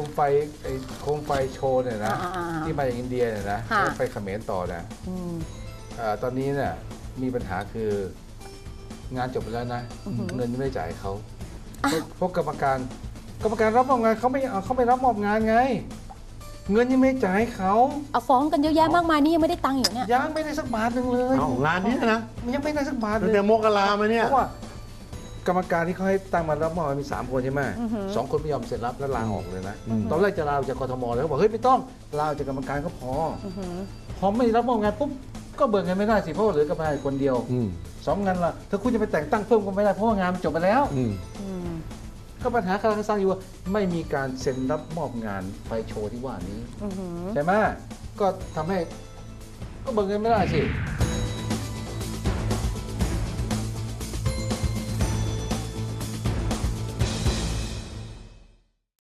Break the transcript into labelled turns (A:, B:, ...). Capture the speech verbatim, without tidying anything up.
A: มไฟไอ้โคมไฟโชว์เนี่ยนะที่มาจากอินเดียเนี่ยนะไปเขมรต่อนะตอนนี้เนี่ยมีปัญหาคืองานจบไปแล้วนะเงินยังไม่ได้จ่ายเขาเพราะกรรมการกรรมการรับมอบงานเขาไม่เอาเขาไม่รับมอบงานไงเงินยังไม่จ่ายเขา
B: เอาฟ้องกันเยอะแยะมากมายนี่ยังไม่ได้ตังค์อยู่เนี่ย
A: ยังไม่ได้สักบาทหนึ่งเลย
C: งานนี้นะ
A: ยังไม่ได้สักบาทเลย
C: แต่มกรามาเนี่ย
A: เพราะว่ากรรมการที่เขาให้ตั้งมารับมอบมีสามคนใช่ไหมสองคนไม่ยอมเซ็นรับแล้วลาออกเลยนะตอนแรกจะลาจากกทมแล้วเขาบอกเฮ้ยไม่ต้องลาจากกรรมการก็พอพอไม่รับมอบงานปุ๊บก็เบิกเงินไม่ได้สิเพราะเหลือกรรมการคนเดียวสองงานละถ้าคุณจะไปแต่งตั้งเพิ่มก็ไม่ได้เพราะว่างานมันจบไปแล้วก็ปัญหาคาราคาซังอยู่ว่าไม่มีการเซ็นรับมอบงานไฟโชว์ที่ว่านี้ใช่ไหมก็ทำให้ก็เบิกเงินไม่ได้สิ